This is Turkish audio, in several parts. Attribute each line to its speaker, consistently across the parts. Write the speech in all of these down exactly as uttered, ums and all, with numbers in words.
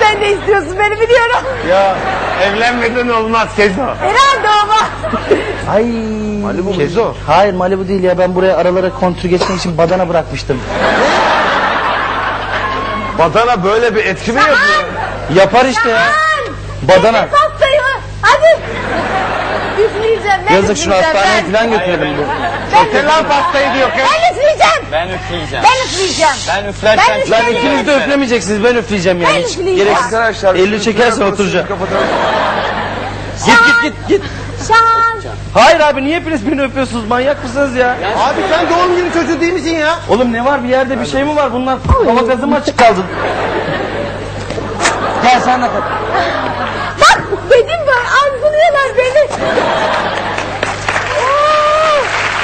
Speaker 1: Sen de istiyorsun beni biliyorum.
Speaker 2: Ya evlenmeden olmaz Kezo.
Speaker 1: Herhalde olmaz.
Speaker 3: Ay.
Speaker 2: Malibu Kezo.
Speaker 3: Hayır Malibu değil ya, ben buraya aralara kontür geçmek için badana bırakmıştım.
Speaker 2: Badana böyle bir etki mi yapıyor?
Speaker 3: Yapar işte ya. Badana.
Speaker 1: Pastayı hadi. Üfleyeceğim. Ben
Speaker 3: Yazık, şunu
Speaker 1: üfleyeceğim,
Speaker 3: hastaneye
Speaker 1: ben.
Speaker 3: falan götürelim.
Speaker 2: Çekin lan pastayı diyor kız.
Speaker 1: Ben üfleyeceğim.
Speaker 4: Ben üfleyeceğim.
Speaker 1: Ben üfleyeceğim.
Speaker 4: Ben üflerken...
Speaker 1: Ben
Speaker 3: Lan
Speaker 1: üfleyeceğim.
Speaker 3: ikiniz de üflemeyeceksiniz, ben üfleyeceğim yani.
Speaker 1: Ben
Speaker 3: Hiç
Speaker 1: üfleyeceğim.
Speaker 3: gereksiz.
Speaker 2: Arkadaşlar.
Speaker 3: elli çekersen oturacağım. Git git git git.
Speaker 1: Şans.
Speaker 3: Hayır abi, niye hepiniz beni öpüyorsunuz, manyak mısınız ya?
Speaker 2: Abi sen doğum günü çocuğu değil misin ya?
Speaker 3: Oğlum ne var, bir yerde bir şey mi var, bunlar hava gazı mı açık kaldı? Gel sen de kalk.
Speaker 1: Bak dedim ben, arzuluyorlar beni. Oo.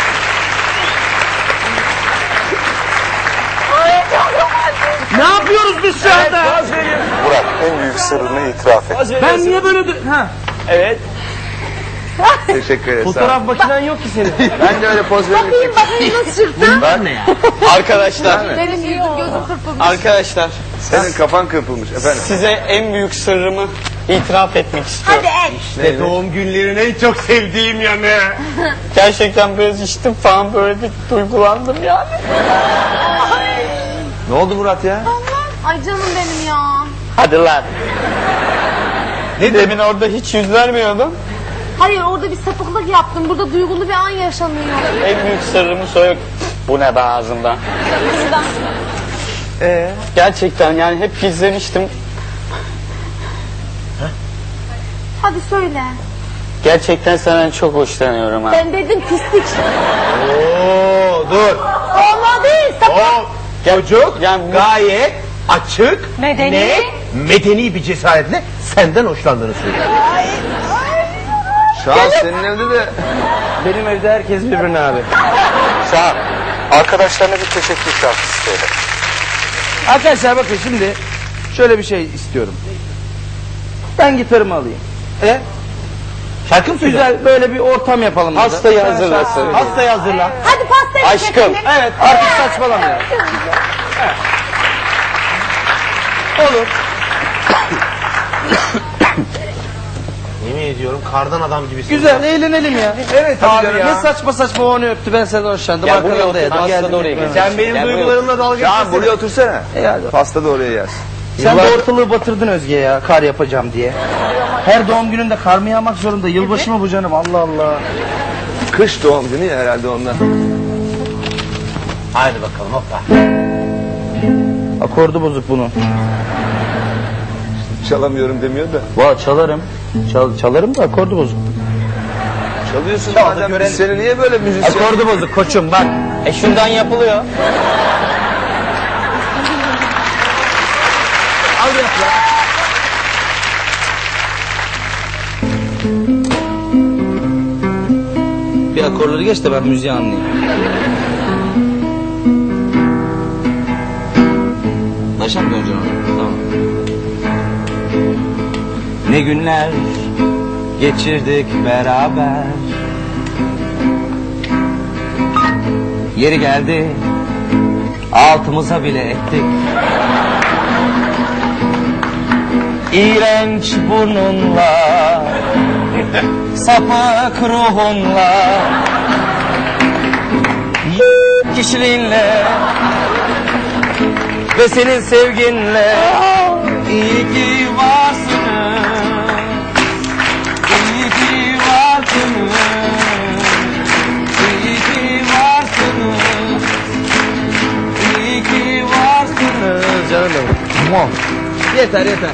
Speaker 1: Ay çok romantik.
Speaker 3: Ne yapıyoruz biz şu anda?
Speaker 5: Burak en büyük sırrını itiraf et.
Speaker 3: Ben niye böyle... dö- Ha.
Speaker 4: Evet.
Speaker 2: Teşekkür ederim.
Speaker 3: Fotoğraf makinen yok ki senin.
Speaker 2: Ben de öyle poz veririm.
Speaker 1: Bakayım bakayım nasıl çırptın?
Speaker 3: Ben ne ya?
Speaker 4: Arkadaşlar.
Speaker 1: Benim yüzüm gözüm kırpılmış.
Speaker 4: Arkadaşlar.
Speaker 2: Senin kafan kırpılmış efendim.
Speaker 4: Size en büyük sırrımı itiraf etmek istiyorum.
Speaker 1: Hadi et.
Speaker 2: İşte doğum günlerin en çok sevdiğim yanı.
Speaker 4: Gerçekten biraz içtim falan, böyle bir duygulandım yani.
Speaker 2: Ne oldu Murat ya?
Speaker 1: Ay canım benim ya.
Speaker 4: Hadi lan. Ne demin orada hiç yüz vermiyordum.
Speaker 1: Hayır orada bir sapıklık yaptım. Burada duygulu bir an yaşanıyor.
Speaker 4: En büyük sırrımı söyle. Bu ne be ağzımda?
Speaker 2: Ee?
Speaker 4: Gerçekten yani hep gizlemiştim.
Speaker 1: Hadi söyle.
Speaker 4: Gerçekten senden çok hoşlanıyorum ha.
Speaker 1: Ben dedim pislik.
Speaker 2: Oo dur.
Speaker 1: Olma değil sapık.
Speaker 2: O çocuk
Speaker 4: Yani bu-
Speaker 2: gayet açık,
Speaker 1: Medeni.
Speaker 2: net, medeni bir cesaretle senden hoşlandığını söylüyor. Şahs senin evde de...
Speaker 3: Benim evde herkes birbirine abi.
Speaker 5: Şahan, arkadaşlarına bir teşekkür şarkısı söyle.
Speaker 3: Arkadaşlar bakın şimdi şöyle bir şey istiyorum. Ben gitarımı alayım. E?
Speaker 2: Şarkı mı söylüyor?
Speaker 3: Güzel böyle bir ortam yapalım. burada.
Speaker 4: Hastayı
Speaker 3: Bir tane şarkı
Speaker 4: hazırlasın.
Speaker 3: söyleyelim.
Speaker 2: Hastayı hazırla.
Speaker 1: Hadi pastayı
Speaker 4: Aşkım.
Speaker 1: çekelim.
Speaker 3: Evet, artık saçmalama ya. Olur.
Speaker 2: Yemin ediyorum kardan adam gibisin.
Speaker 3: Güzel, eğlenelim ya.
Speaker 2: Evet abi ya.
Speaker 3: Ne saçma saçma o onu öptü, ben senden hoşlandım.
Speaker 4: Gel buraya
Speaker 3: Arkadan
Speaker 4: otur,
Speaker 3: dayadım,
Speaker 4: pasta
Speaker 3: geldim.
Speaker 4: da oraya
Speaker 3: gitmem.
Speaker 4: gel.
Speaker 2: Sen benim
Speaker 4: Gel buraya
Speaker 2: duygularımla dalga geçsene. Ya buraya otursana.
Speaker 3: E hadi.
Speaker 2: Pasta da oraya yaz.
Speaker 3: Sen de ortalığı batırdın Özge ya, kar yapacağım diye. Her doğum gününde kar mı yağmak zorunda? Yılbaşı mı bu canım? Allah Allah.
Speaker 2: Kış doğum günü ya herhalde ondan. Haydi bakalım hoppa.
Speaker 3: Akordu bozuk bunun.
Speaker 2: Çalamıyorum demiyor da.
Speaker 3: Valla çalarım. Çal, çalarım da akordu bozuk.
Speaker 2: Çalıyorsun
Speaker 3: Çal da
Speaker 2: madem,
Speaker 3: görelim.
Speaker 2: biz seni niye böyle müzisyen...
Speaker 3: Akordu bozuk koçum bak.
Speaker 4: E şuradan yapılıyor.
Speaker 3: Al yap ya. Bir akorları geç de ben müziği anlayayım. Başa mı döneceğim? Tamam. Ne günler geçirdik beraber. Yeri geldi altımıza bile ettik. İğrenç burnunla, sapık ruhunla, y- kişiliğinle ve senin sevginle iyi ki varsınız, iyi ki varsınız, iyi ki varsınız, iyi ki varsınız. Canım benim. Yeter yeter.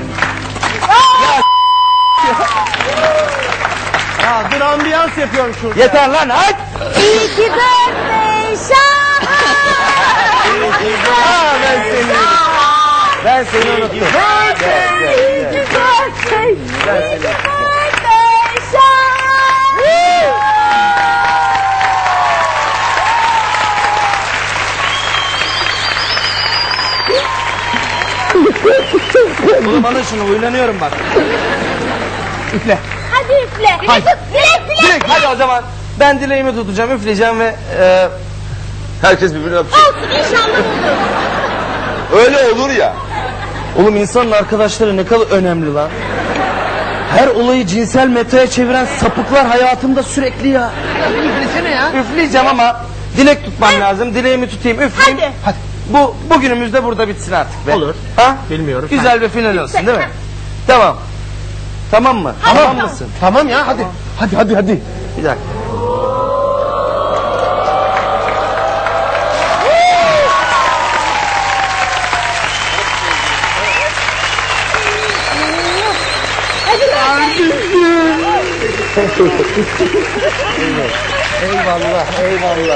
Speaker 2: Ya dur ambiyans yapıyorum şurada.
Speaker 3: Yeter lan aç.
Speaker 1: İyi ki birthday Şahan.
Speaker 3: Aa, ben seni ben seni unuttum.
Speaker 1: Birthday, iyi ki birthday. İyi ki birthday Şahan.
Speaker 3: Oğlum alın şunu, uylanıyorum bak. Üfle.
Speaker 1: Hadi üfle.
Speaker 3: Haydi.
Speaker 1: Dilek dilek.
Speaker 3: Dilek hadi o zaman. Ben dileğimi tutacağım, üfleyeceğim ve e,
Speaker 2: Herkes birbirini öpecek.
Speaker 1: Olsun inşallah olur.
Speaker 2: Öyle olur ya.
Speaker 3: Oğlum insanın arkadaşları ne kadar önemli lan. Her olayı cinsel metaya çeviren sapıklar hayatımda sürekli ya.
Speaker 2: Üflesene ya.
Speaker 3: Üfleyeceğim ama dilek tutmam lazım. Dileğimi tutayım, üfleyeyim.
Speaker 1: Hadi.
Speaker 2: Hadi.
Speaker 3: Bu bugünümüz de burada bitsin artık be.
Speaker 2: Olur.
Speaker 3: Ha?
Speaker 2: Bilmiyorum.
Speaker 3: Güzel bir final olsun değil mi? Tamam. Tamam mı? Tamam mısın?
Speaker 2: Tamam ya hadi. Hadi hadi hadi.
Speaker 3: Bir dakika. Eyvallah, eyvallah.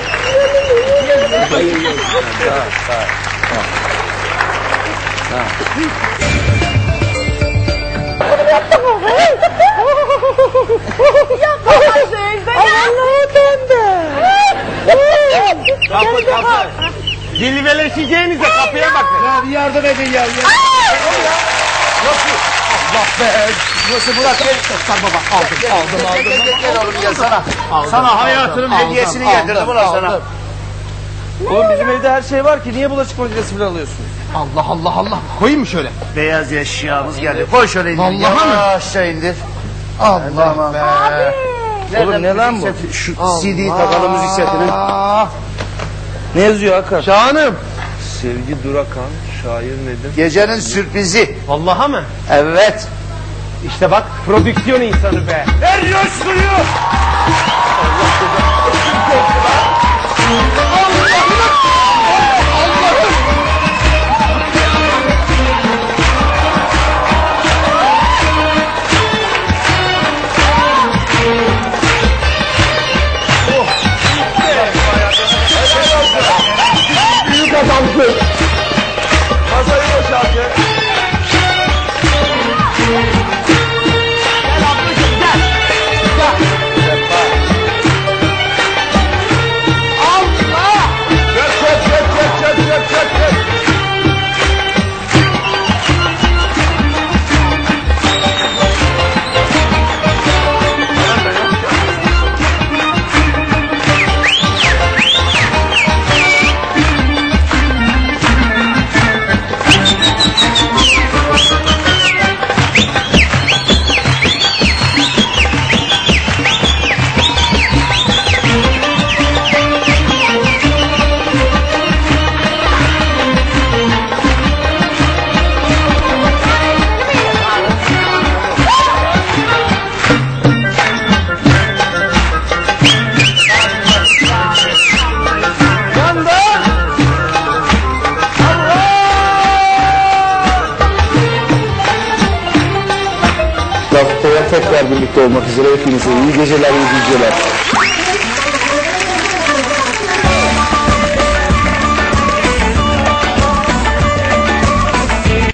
Speaker 2: Kapı kapı. Dilveleşeceğinize kapıya bakın.
Speaker 3: Ya bir yardım edin ya.
Speaker 2: Allah be. Nasıl bırak gel. Sar baba aldım aldım aldım. Gel gel gel oğlum gel sana. Sana hayatının hediyesini getirdim ulan sana.
Speaker 3: Oğlum bizim evde her şey var ki niye bulaşık makinesi bile alıyorsun?
Speaker 2: Allah Allah Allah. Koyayım mı şöyle?
Speaker 5: Beyaz eşyamız geldi. Koy şöyle indir.
Speaker 2: Vallahi mi?
Speaker 5: Yavaşça indir.
Speaker 2: Allah be.
Speaker 3: Oğlum ne lan bu?
Speaker 5: Şu C D'yi takalım müzik setini.
Speaker 3: Ne yazıyor Hakan?
Speaker 2: Şahanım.
Speaker 3: Sevgi Durakan, şair nedir?
Speaker 5: Gecenin sürprizi.
Speaker 2: Vallahi mı?
Speaker 5: Evet.
Speaker 2: İşte bak prodüksiyon insanı be.
Speaker 5: Ver coşkuyu.
Speaker 2: Büyük adamsın.
Speaker 3: Masayı boşaltın.
Speaker 2: Gel ablacığım gel. Gel. Allah.
Speaker 5: Çök çök çök çök çök çök çök çök. Haftaya tekrar birlikte olmak üzere hepinize iyi geceler, iyi geceler.